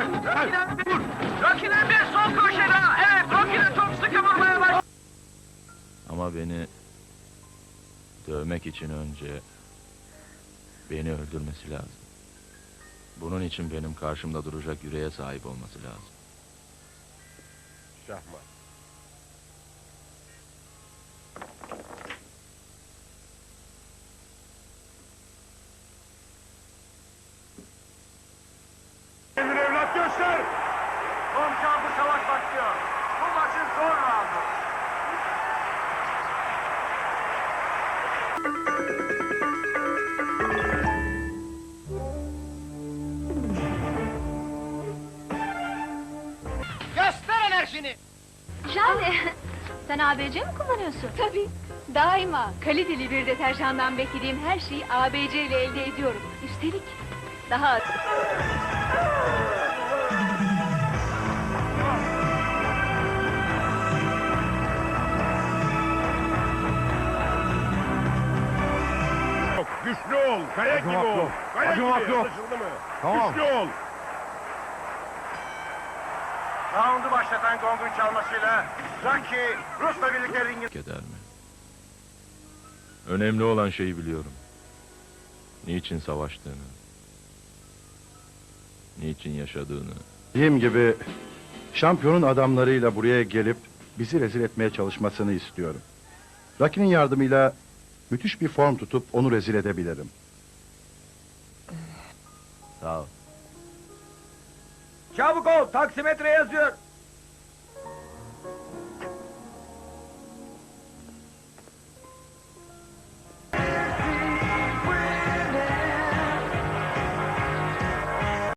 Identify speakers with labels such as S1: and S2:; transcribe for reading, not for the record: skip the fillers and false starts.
S1: Rocky'den bir sol köşede. Evet, Rocky'den çok sıkı vurmaya başladı.
S2: Ama beni dövmek için önce beni öldürmesi lazım. Bunun için benim karşımda duracak yüreğe sahip olması lazım.
S3: Şahmat. Kendini evlat göster!
S1: Son çarpı savaş başlıyor. Bu maçın son roundu. Göster enerjini.
S4: Jale, sen ABC mi kullanıyorsun? Tabii, daima kaliteli bir deterjandan beklediğim her şeyi ABC ile elde ediyorum. Üstelik daha az.
S3: Yok, güçlü ol, kaya gibi ol. Kaya gibi, anlaşıldı mı?
S5: Tamam.
S3: Güçlü ol.
S1: Roundu başlatan gongun çalmasıyla Rocky Rus'la birlikte ringin...
S2: Eder mi? Önemli olan şeyi biliyorum. Niçin savaştığını, niçin yaşadığını.
S5: Dediğim gibi şampiyonun adamlarıyla buraya gelip bizi rezil etmeye çalışmasını istiyorum. Rocky'nin yardımıyla müthiş bir form tutup onu rezil edebilirim.
S2: Sağ ol.
S1: Çabuk ol, taksimetre yazıyor.